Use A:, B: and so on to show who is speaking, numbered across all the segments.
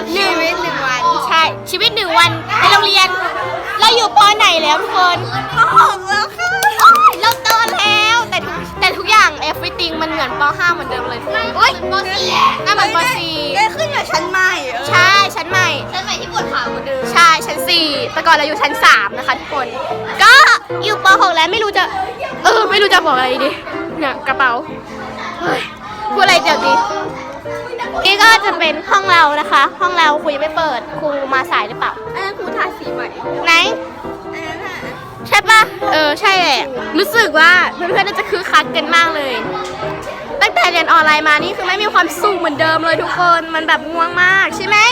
A: ชีวิต1 วันใช่ชีวิต1 วันในโรงเรียนเราอยู่ป.ไหนแล้วทุกคนป.6แล้วค่ะเราโตแล้วแต่ทุกอย่าง everything มันเหมือนป.5 เหมือนเดิมเลยโอ๊ยป.4น่าเหมือนป.4ได้ขึ้นกับชั้นใหม่ใช่ชั้นใหม่ที่ปวดขาเหมือนเดิมใช่ชั้น4แต่ก่อนเราอยู่ชั้น3นะคะทุกคนก็อยู่ป.6แล้วไม่รู้จะบอกอะไรดีเนี่ยกระเป๋าพูดอะไรเดี๋ยวดีนี่ก็จะเป็นห้องเรานะคะห้องเราครูยังไม่เปิดครูมาสายหรือเปล่าอันนั้นครูทาสีใหม่ไหนอันนั้นใช่ปะใช่แหละรู้สึกว่าเพื่อนๆน่าจะคึกคักกันมากเลยตั้งแต่เรียนออนไลน์มานี่คือไม่มีความสุขเหมือนเดิมเลยทุกคนมันแบบง่วงมากใช่ไหม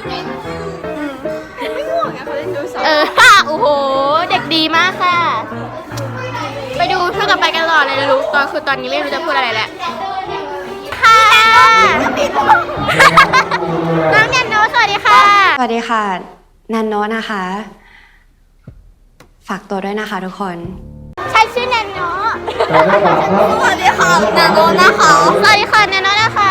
A: ไม่ง่วงอะเขาเล่นดูสองโอ้โหเด็กดีมากค่ะไปดูเท่ากับไปกันต่อเลยนะลูกตอนนี้ไม่รู้จะพูดอะไรแล้วค่ะน้องแนนโนสวัสดีค่ะ
B: สวัสดีค่ะนันโนนะคะ ฝากตัวด้วยนะคะทุกคน
A: ฉันชื่อแนนโนสวัสดีค่ะแนนโนนะคะสวัสดีค่ะแนนโนนะคะ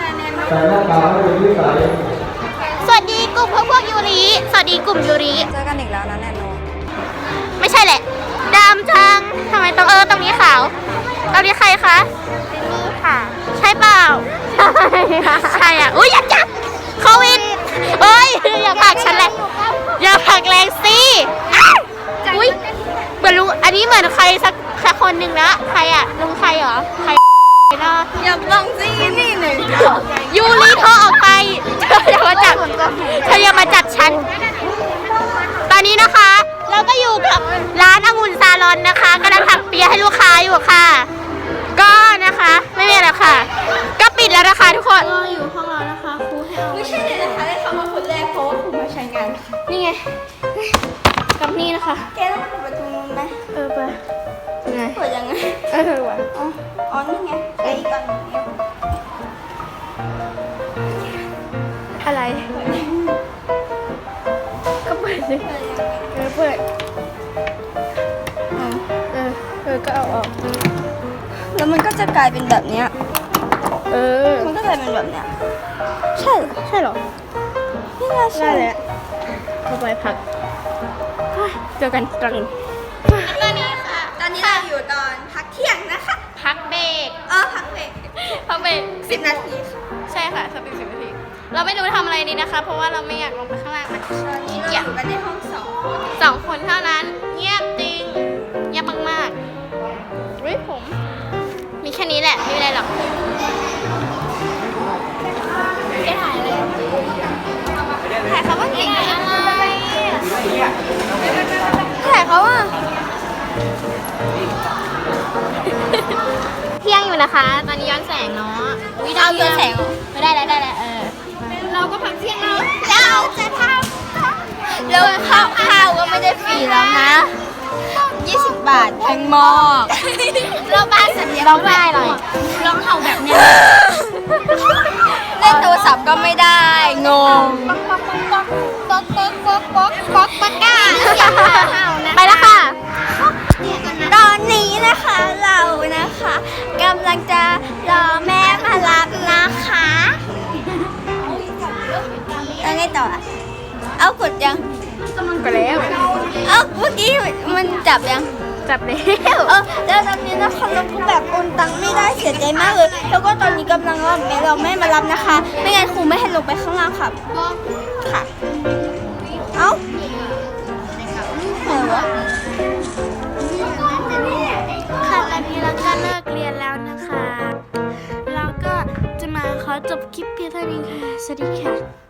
A: สวัสดีกลุ่มพวกยูริสวัสดีกลุ่มยูริ
B: เจอกันอีกแล้วนะแนนโน
A: ไม่ใช่แหละดำจังทำไมตรงนี้ขาวตรงนี้ใครคะนี่ค่ะใช่เปล่าใช่อ่ะอุ้ยอย่าจับโควิดเอ้ยอย่าผลักฉันเลยอย่าผลักแรงสิอุ้ยเหมือนลุงอันนี้เหมือนใครสักคนหนึ่งนะใครอ่ะลุงใครเหรอใครนะอย่าลองสินี่หนึ่งยูริเธอออกไปเธออย่ามาจับฉันตอนนี้นะคะเราก็อยู่กับร้านองุ่นซาลอนนะคะกำลังถักเปียให้ลูกค้าอยู่ค่ะก็นะคะไม่มีอะไรค่ะก็ปิดแล้วนะคะทุกคนก็อยู่ห้องเรานะคะครูให้เอาไม่ใช่เลยนะคะได้คำว่าคนแรกเพราะว่าครูมาใช้งานนี่ไงกับนี่นะคะแกต้องเปิดประตูนู้นไหมไปไงเปิดยังไงวะอ๋อนี่ไงไอ้ก่อนอะไรก็เปิดสิเปิดก็เอาออกแล้วมันก็จะกลายเป็นแบบเนี้ยมันก็กลายเป็นแบบเนี้ยใช่หรอนี่ไงใช่แหละเข้าไปพักเจอกันตอนนี้ค่ะตอนนี้เราอยู่ตอนพักเที่ยงนะคะพักเบรกพักเบรก10 นาทีใช่ค่ะสัก10 นาทีเราไม่รู้ทำอะไรดีนะคะเพราะว่าเราไม่อยากลงไปข้างล่างนะคะตอนนี้เราอยู่กันในห้อง2 คนเท่านั้นเงียบจริงเงียบมากๆอุ้ยผมมีแค่นี้แหละไม่มีอะไรหรอกจะถ่ายอะไรถ่ายเขาว่าเก่งอะไรถ่ายเขาว่าเที่ยงอยู่นะคะตอนนี้ย้อนแสงเนาะวิดาวย้อนแสงไม่ได้แล้วเราก็พักเที่ยงแล้วเราจะทำแล้วข้าวก็ไม่ได้ฟรีแล้วนะ20 บาทแพงมากเราบ้านสัญญาร้องได้เลยร้องเห่าแบบนี้เล่นโทรศัพท์ก็ไม่ได้งงป๊อกก้าไปแล้วค่ะตอนนี้นะคะเรานะคะกำลังจะรอแม่มารับนะคะแล้วไงต่อเอากดยังกดแล้วเมื่อกี้มันจับยังจับแล้วแล้วตอนนี้นะคะเราก็แบบโอนตังค์ไม่ได้เสียใจมากเลยแล้วก็ตอนนี้กำลังรอแม่มารับนะคะไม่งั้นครูไม่ให้ลงไปข้างล่างค่ะค่ะไหนวะค่ะตอนนี้เราก็เลิกเรียนแล้วนะคะเราก็จะมาขอจบคลิปเพียงเท่านี้ค่ะสวัสดีค่ะ